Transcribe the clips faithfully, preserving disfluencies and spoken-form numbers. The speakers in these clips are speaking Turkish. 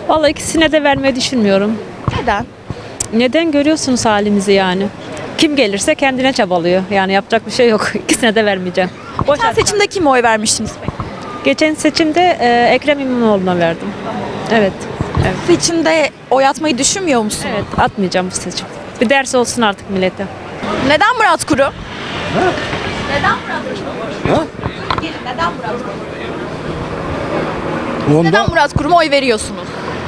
Vallahi ikisine de vermeyi düşünmüyorum. Neden? Neden görüyorsunuz halimizi yani? Kim gelirse kendine çabalıyor. Yani yapacak bir şey yok. İkisine de vermeyeceğim. Boş Geçen ver. seçimde kime oy vermiştiniz peki? Geçen seçimde e, Ekrem İmamoğlu'na verdim. Evet. Evet. Seçimde oy atmayı düşünmüyor musunuz? Evet, atmayacağım bu seçim. Bir ders olsun artık millete. Neden Murat Kurum? Neden Murat Kurum? Neden Murat Kurum? Onda Neden Murat Kurum'a oy veriyorsunuz?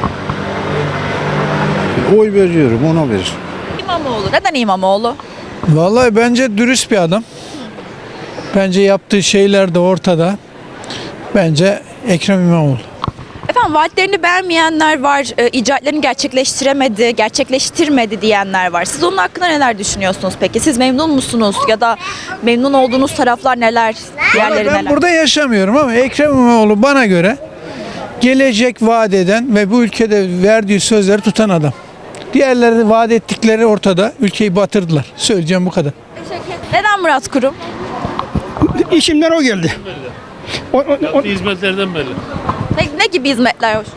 oy veriyorum, ona verir. İmamoğlu. Neden İmamoğlu? Vallahi bence dürüst bir adam. Bence yaptığı şeyler de ortada. Bence Ekrem İmamoğlu. Efendim vaatlerini beğenmeyenler var, e, icraatlerini gerçekleştiremedi, gerçekleştirmedi diyenler var. Siz onun hakkında neler düşünüyorsunuz peki? Siz memnun musunuz ya da memnun olduğunuz taraflar neler, diğerleri Ben neler? burada yaşamıyorum ama Ekrem İmamoğlu bana göre gelecek vaat eden ve bu ülkede verdiği sözleri tutan adam. Diğerleri vaat ettikleri ortada. Ülkeyi batırdılar. Söyleyeceğim bu kadar. Neden Murat Kurum? İşimden o geldi. O, o, o, Hizmetlerden belli. Ne, ne gibi hizmetler hoş?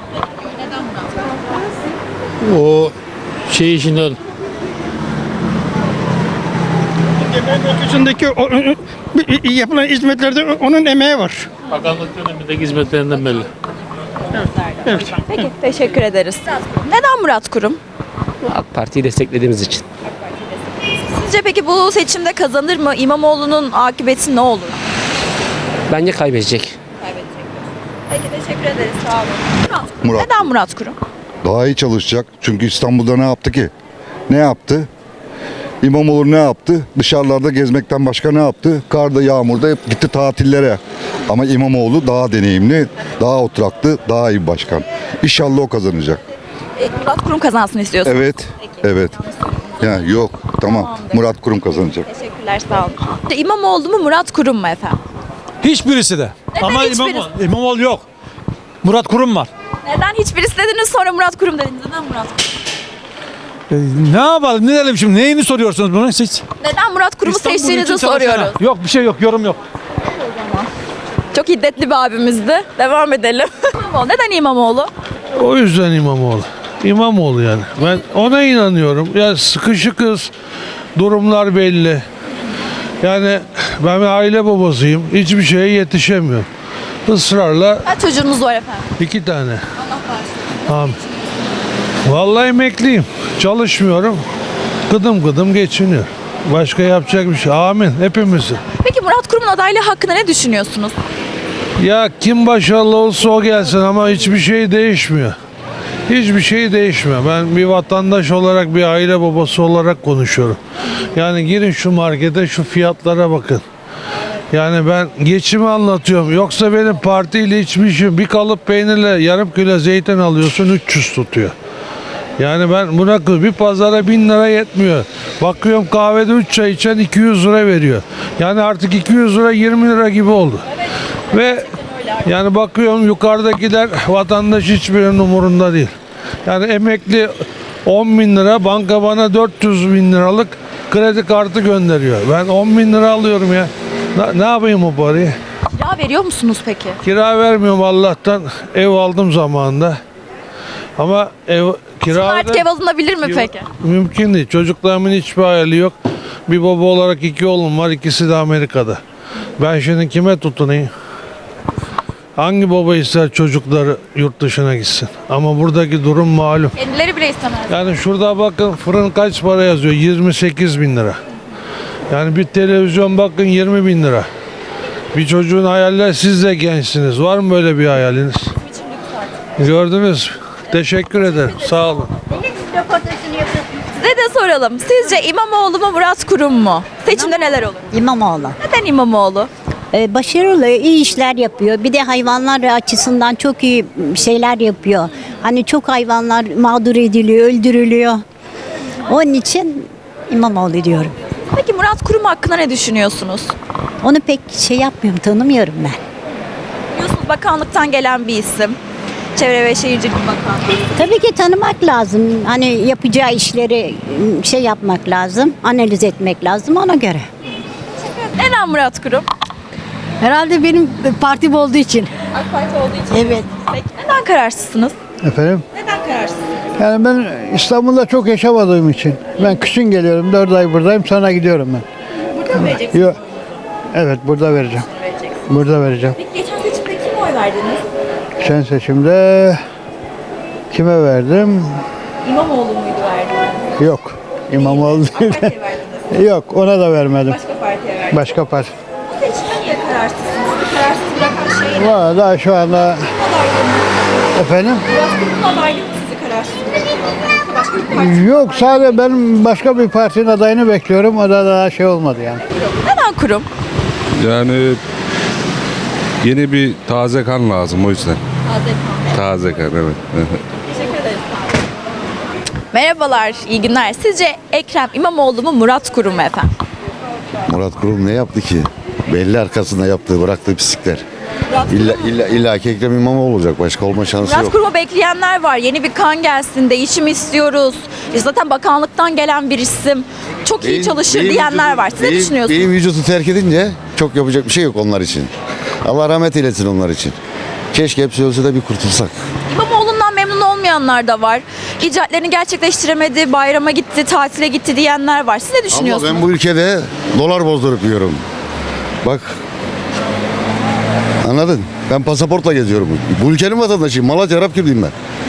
O şey işinden Ötesindeki o, o, o, yapılan hizmetlerde onun emeği var. bakanlık dönemindeki hizmetlerinden belli. Peki teşekkür ederiz. Neden Murat Kurum? AK Parti'yi desteklediğimiz için. Sizce peki bu seçimde kazanır mı? İmamoğlu'nun akıbeti ne olur? Bence kaybedecek. Peki teşekkür ederiz. Sağ olun. Murat. Neden Murat Kurum? Daha iyi çalışacak. Çünkü İstanbul'da ne yaptı ki? Ne yaptı? İmamoğlu ne yaptı? Dışarılarda gezmekten başka ne yaptı? Karda, yağmurda hep gitti tatillere. Ama İmamoğlu daha deneyimli, daha oturaklı, daha iyi bir başkan. İnşallah o kazanacak. E, Murat Kurum kazansın istiyorsunuz. Evet, evet. Ya yok, tamam. Murat Kurum kazanacak. Teşekkürler sağ olun. İmamoğlu mu Murat Kurum mu efendim? Hiçbirisi de. Neden Ama hiçbirisi? İmamoğlu, İmamoğlu yok. Murat Kurum var. Neden hiçbirisi dediniz sonra Murat Kurum dediniz? Neden Murat Kurum? Ee, ne yapalım? Ne diyelim şimdi? Neyini soruyorsunuz bunu siz? Neden Murat Kurum'u İstanbul seçtiğinizi için çalışana. soruyoruz. Yok bir şey yok. Yorum yok. Çok hiddetli bir abimizdi. Devam edelim. İmamoğlu. Neden İmamoğlu? O yüzden İmamoğlu. İmamoğlu yani. Ben ona inanıyorum. Ya sıkışıkız. Durumlar belli. Yani ben bir aile babasıyım. Hiçbir şeye yetişemiyorum. Israrla Kaç çocuğunuz var efendim? iki tane. Amin. Vallahi emekliyim. Çalışmıyorum. Gıdım gıdım geçiniyor. Başka yapacak bir şey. Amin. Hepimizin. Peki Murat Kurum'un adaylığı hakkında ne düşünüyorsunuz? Ya kim başarılı olsa o gelsin ama hiçbir şey değişmiyor. Hiçbir şey değişmiyor. Ben bir vatandaş olarak, bir aile babası olarak konuşuyorum. Yani girin şu markete, şu fiyatlara bakın. Yani ben geçimi anlatıyorum. Yoksa benim partiyle hiçbir işim. Bir kalıp peynirle yarım kilo zeytin alıyorsun üç yüz tutuyor. Yani ben buna bir pazara bin lira yetmiyor. Bakıyorum kahvede üç çay içen iki yüz lira veriyor. Yani artık iki yüz lira yirmi lira gibi oldu. Ve yani bakıyorum yukarıdakiler vatandaş hiçbirinin umurunda değil. Yani emekli on bin lira, banka bana dört yüz bin liralık kredi kartı gönderiyor. Ben on bin lira alıyorum ya. Ne, ne yapayım o parayı? Kira veriyor musunuz peki? Kira vermiyorum Allah'tan. Ev aldım zamanında. Ama ev kira Artık ev alınabilir mi peki? mümkün değil. Çocuklarımın hiçbir hayali yok. Bir baba olarak iki oğlum var. İkisi de Amerika'da. Ben şimdi kime tutunayım? Hangi baba ister çocukları yurt dışına gitsin? Ama buradaki durum malum. Kendileri bile istemez. Yani şurada bakın fırın kaç para yazıyor? yirmi sekiz bin lira. Yani bir televizyon bakın yirmi bin lira. Bir çocuğun hayaller, siz de gençsiniz. Var mı böyle bir hayaliniz? Gördünüz mü? Teşekkür ederim. Sağ olun. Size de soralım. Sizce İmamoğlu mu Murat Kurum mu? Seçimde neler olur? İmamoğlu. Neden İmamoğlu? Ee, başarılı, iyi işler yapıyor. Bir de hayvanlar açısından çok iyi şeyler yapıyor. Hani çok hayvanlar mağdur ediliyor, öldürülüyor. Onun için İmamoğlu diyorum. Peki Murat Kurum hakkında ne düşünüyorsunuz? Onu pek şey yapmıyorum, tanımıyorum ben. Biliyorsunuz bakanlıktan gelen bir isim. Çevre ve Şehircilik Bakanlığı. Tabii ki tanımak lazım. Hani yapacağı işleri şey yapmak lazım, analiz etmek lazım ona göre. Neden Murat Kurum? Herhalde benim partim olduğu için. AK Parti olduğu için. Evet. Peki neden kararsızsınız? Efendim? Neden Yani ben İstanbul'da çok yaşamadığım için. Ben kışın geliyorum. dört ay buradayım. Sonra gidiyorum ben. Burada mı vereceksiniz? Yok. Evet burada vereceğim. Vereceksiniz. Burada vereceğim. Peki geçen seçimde kime oy verdiniz? Geçen seçimde kime verdim? İmamoğlu muydu verdiniz? Yok. İmamoğlu değil. AK Parti'ye verdiniz. Yok ona da vermedim. Başka partiye verdiniz. Başka parti. Bu seçimde niye kararsızsınız? Sizi kararsız bırakan şey ne? Valla daha şu anda Adaylığınız. efendim Murat Kurum'un adaylığı mı sizi kararsız bırakıyor? Yoksa başka bir parti mi? yok sadece ben başka bir partinin adayını bekliyorum. O da daha şey olmadı yani. Neden kurum? Yani yeni bir taze kan lazım o yüzden. Taze kan evet. Teşekkür ederiz. Merhabalar, iyi günler. Sizce Ekrem İmamoğlu mu, Murat Kurum mu efendim? Murat Kurum ne yaptı ki? Belli arkasında yaptığı, bıraktığı pislikler. Murat, İlla, illa, illa ki Ekrem İmamoğlu olacak. Başka olma şansı Murat yok. Kurum'u bekleyenler var. Yeni bir kan gelsin, değişim istiyoruz. E zaten bakanlıktan gelen bir isim. Çok iyi Beyin- çalışır beyin diyenler vücudu- var. Siz ne beyin- düşünüyorsunuz? Beyin vücudu terk edince çok yapacak bir şey yok onlar için. Allah rahmet eylesin onlar için. Keşke hepsi ölse de bir kurtulsak. İmamoğlu'ndan memnun olmayanlar da var. İcraatlerini gerçekleştiremedi, bayrama gitti, tatile gitti diyenler var. Siz ne Ama düşünüyorsunuz? ben bu ülkede dolar bozdurup yiyorum. Bak. Anladın? Ben pasaportla geziyorum. Bu ülkenin vatandaşıyım. Malatya Arapkirliyim ben.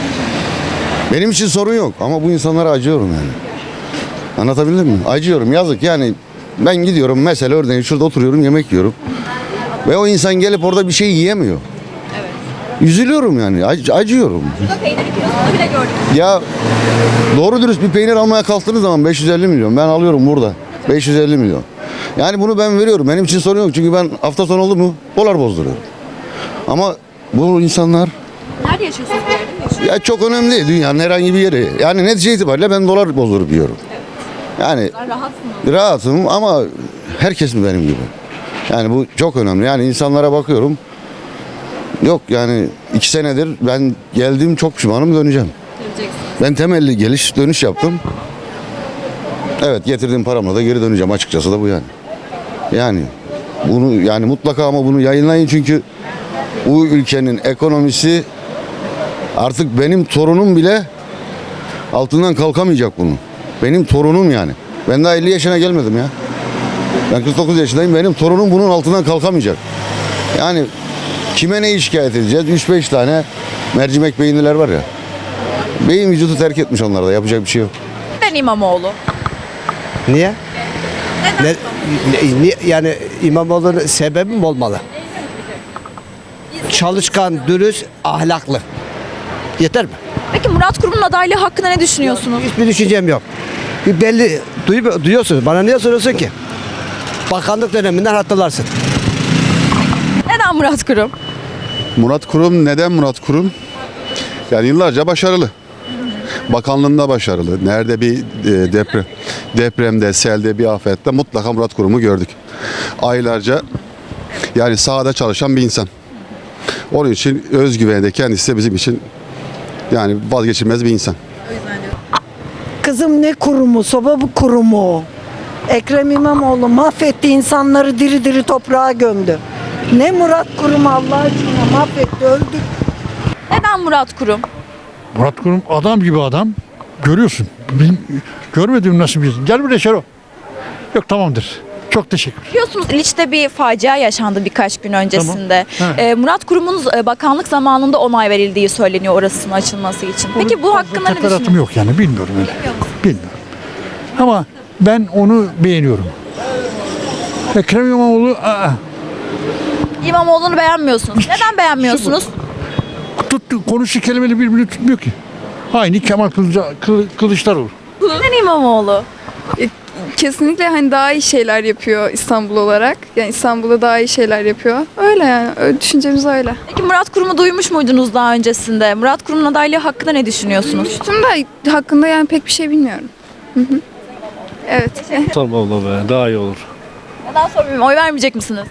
Benim için sorun yok ama bu insanlara acıyorum yani. Anlatabildim mi? Acıyorum. Yazık yani. Ben gidiyorum mesela örneğin şurada oturuyorum yemek yiyorum. Ve o insan gelip orada bir şey yiyemiyor. Üzülüyorum yani. Ac- acıyorum. Burada peynir kilosunu bile gördük. Ya doğru dürüst bir peynir almaya kalktığınız zaman beş yüz elli milyon. Ben alıyorum burada. beş yüz elli milyon. Yani bunu ben veriyorum. Benim için sorun yok. Çünkü ben hafta sonu oldu mu dolar bozduruyorum. Ama bu insanlar Nerede yaşıyorsunuz? Bir yerde mi yaşıyorsunuz? ya çok önemli değil dünyanın herhangi bir yeri. Yani netice itibariyle ben dolar bozdurup yiyorum. Yani Rahatsınız. rahatım ama herkes mi benim gibi? Yani bu çok önemli. Yani insanlara bakıyorum. Yok yani iki senedir ben geldiğim çok pişmanım döneceğim. Ben temelli geliş dönüş yaptım. Evet getirdiğim paramla da geri döneceğim açıkçası da bu yani. Yani bunu yani mutlaka ama bunu yayınlayın çünkü bu ülkenin ekonomisi artık benim torunum bile altından kalkamayacak bunu. Benim torunum yani. Ben daha elli yaşına gelmedim ya. Ben kırk dokuz yaşındayım. Benim torunum bunun altından kalkamayacak. Yani kime neyi şikayet edeceğiz? üç beş tane mercimek beyinliler var ya. Beyin vücudu terk etmiş onlarda. Yapacak bir şey yok. Neden İmamoğlu? Niye? Ne, ne- ne- yani İmamoğlu'nun sebebi mi olmalı? Çalışkan, dürüst, ahlaklı. Yeter mi? Peki Murat Kurum'un adaylığı hakkında ne düşünüyorsunuz? Hiçbir düşüncem yok. Bir belli duyu, duyuyorsunuz. Bana niye soruyorsun ki? Bakanlık döneminden hatırlarsın. Neden Murat Kurum? Murat Kurum neden Murat Kurum? Yani yıllarca başarılı. Bakanlığında başarılı. Nerede bir e, deprem depremde, selde, bir afette mutlaka Murat Kurum'u gördük. Aylarca yani sahada çalışan bir insan. Onun için özgüveni de kendisi de bizim için yani vazgeçilmez bir insan. Kızım ne kurumu, soba bu kurumu. Ekrem İmamoğlu mahvetti insanları diri diri toprağa gömdü. Ne Murat Kurum Allah aşkına mahvetti, öldü. Neden Murat Kurum? Murat Kurum adam gibi adam. Görüyorsun. Benim, görmedim nasıl bir. Gel buraya Şero. Yok tamamdır. Çok teşekkür. Biliyorsunuz İliç'te bir facia yaşandı birkaç gün öncesinde. Tamam. Ee, Murat Kurum'un e, bakanlık zamanında onay verildiği söyleniyor orasının açılması için. Peki bu hakkında ne Teferruatım düşünüyorsunuz? yok yani bilmiyorum öyle. Bilmiyorum. Ama ben onu beğeniyorum. Ekrem İmamoğlu aa, İmamoğlu'nu beğenmiyorsunuz. Neden beğenmiyorsunuz? tuttu, konuşu kelimeleri birbirini tutmuyor ki. Aynı Kemal Kılıca, Kılı- Kılıçdaroğlu. Neden İmamoğlu? Kesinlikle hani daha iyi şeyler yapıyor İstanbul olarak. Yani İstanbul'da daha iyi şeyler yapıyor. Öyle yani. Öyle, düşüncemiz öyle. Peki Murat Kurum'u duymuş muydunuz daha öncesinde? Murat Kurum'un adaylığı hakkında ne düşünüyorsunuz? Düştüm de hakkında yani pek bir şey bilmiyorum. Hı hı. Evet. Tamam abla be daha iyi olur. Neden sormayayım? Oy vermeyecek misiniz?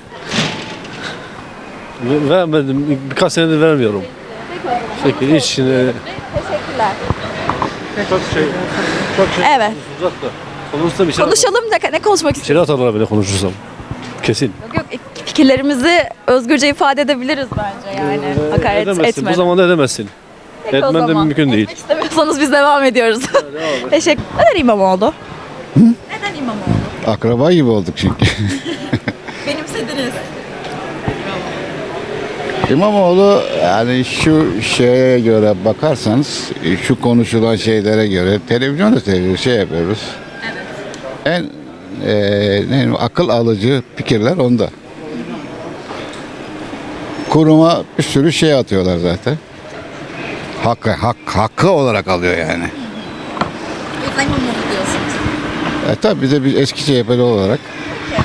Vermedim birkaç senedir vermiyorum. Peki hiç şimdi Teşekkürler. çok şey çok şey Evet. uzak da. Konuşsam içeri Konuşalım da ne konuşmak istiyorsunuz? İçeri atarlar beni konuşursam. Kesin. Yok yok fikirlerimizi özgürce ifade edebiliriz bence yani. Hakaret edemezsin. Bu etmeden. zamanda edemezsin. Peki o Etmen de zaman. mümkün değil. Etmek istemiyorsanız biz devam ediyoruz. Teşekkür. Neden İmamoğlu? Neden İmamoğlu? Akraba gibi olduk çünkü. Benimsediniz. İmamoğlu yani şu şeye göre bakarsanız şu konuşulan şeylere göre televizyonda seviyoruz, şey yapıyoruz. En e, ne, akıl alıcı fikirler onda. Kuruma bir sürü şey atıyorlar zaten. Hakkı, hak, hakkı olarak alıyor yani. İmamoğlu diyorsunuz. E tabi bize bir eski C H P'li olarak